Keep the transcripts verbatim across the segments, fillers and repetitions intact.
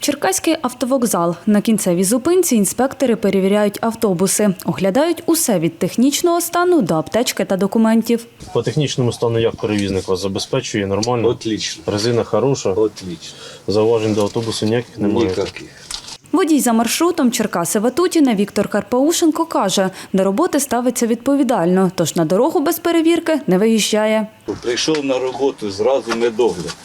Черкаський автовокзал. На кінцевій зупинці інспектори перевіряють автобуси. Оглядають усе від технічного стану до аптечки та документів. По технічному стану як перевізник вас забезпечує нормально? Отлично. Резина хороша? Отлично. Зауважень до автобусу ніяких немає? Ніяких. Водій за маршрутом Черкаси-Ватутіне Віктор Карпаушенко каже, до роботи ставиться відповідально, тож на дорогу без перевірки не виїжджає. Прийшов на роботу, зразу медогляд.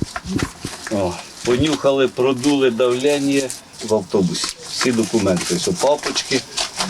О, понюхали, продули давлення в автобусі. Всі документи, що папочки,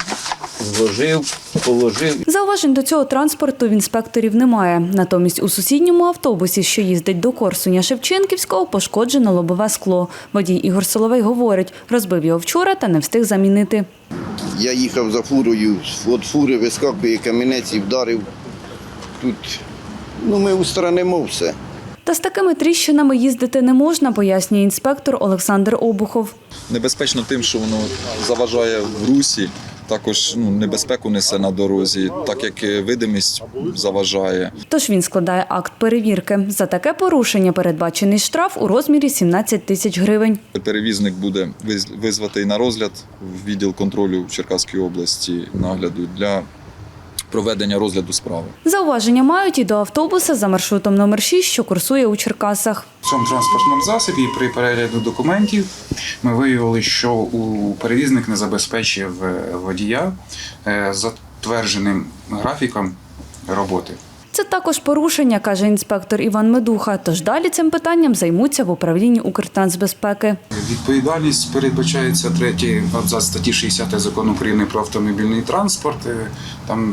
зложив, положив. Зауважень до цього транспорту в інспекторів немає. Натомість у сусідньому автобусі, що їздить до Корсуня-Шевченківського, пошкоджено лобове скло. Водій Ігор Соловей говорить, розбив його вчора та не встиг замінити. Я їхав за фурою, від фури вискакує камінець і вдарив. Тут ну, ми устранимо все. Та з такими тріщинами їздити не можна, пояснює інспектор Олександр Обухов. Небезпечно тим, що воно заважає в русі, також ну, небезпеку несе на дорозі, так як видимість заважає. Тож він складає акт перевірки. За таке порушення передбачений штраф у розмірі сімнадцять тисяч гривень. Перевізник буде визватий на розгляд в відділ контролю Черкаської області нагляду для проведення розгляду справи. Зауваження мають і до автобуса за маршрутом номер шість, що курсує у Черкасах. В цьому транспортному засобі при перегляду документів ми виявили, що у перевізник не забезпечив водія затвердженим графіком роботи. Це також порушення, каже інспектор Іван Медуха, тож далі цим питанням займуться в управлінні Укртрансбезпеки. Відповідальність передбачається третій абзац статті шістдесят Закону України про автомобільний транспорт. Там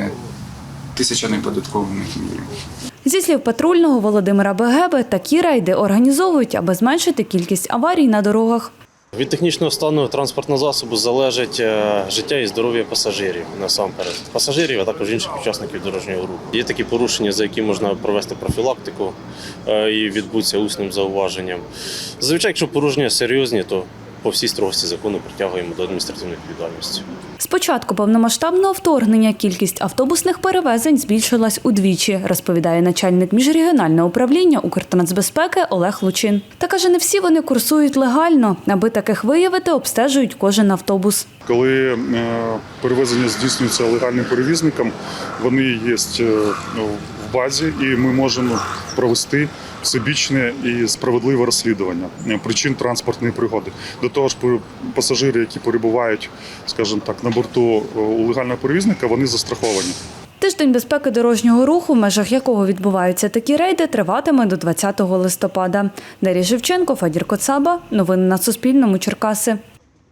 тисяча неподаткових мірів. Зі слів патрульного Володимира Бегеби, такі рейди організовують, аби зменшити кількість аварій на дорогах. Від технічного стану транспортного засобу залежить життя і здоров'я пасажирів насамперед. Пасажирів, а також інших учасників дорожнього руху. Є такі порушення, за які можна провести профілактику і відбутися усним зауваженням. Зазвичай, якщо порушення серйозні, то по всій строгості закону притягуємо до адміністративної відповідальності. З початку повномасштабного вторгнення кількість автобусних перевезень збільшилась удвічі, розповідає начальник міжрегіонального управління Укртрансбезпеки Олег Лучин. Та каже, не всі вони курсують легально. Аби таких виявити, обстежують кожен автобус. Коли перевезення здійснюється легальним перевізником, вони є в базі і ми можемо провести всебічне і справедливе розслідування причин транспортної пригоди. До того ж, пасажири, які перебувають, скажімо так, на борту у легального перевізника, вони застраховані. Тиждень безпеки дорожнього руху, в межах якого відбуваються такі рейди, триватиме до двадцятого листопада. Дар'я Шевченко, Федір Коцаба. Новини на Суспільному. Черкаси.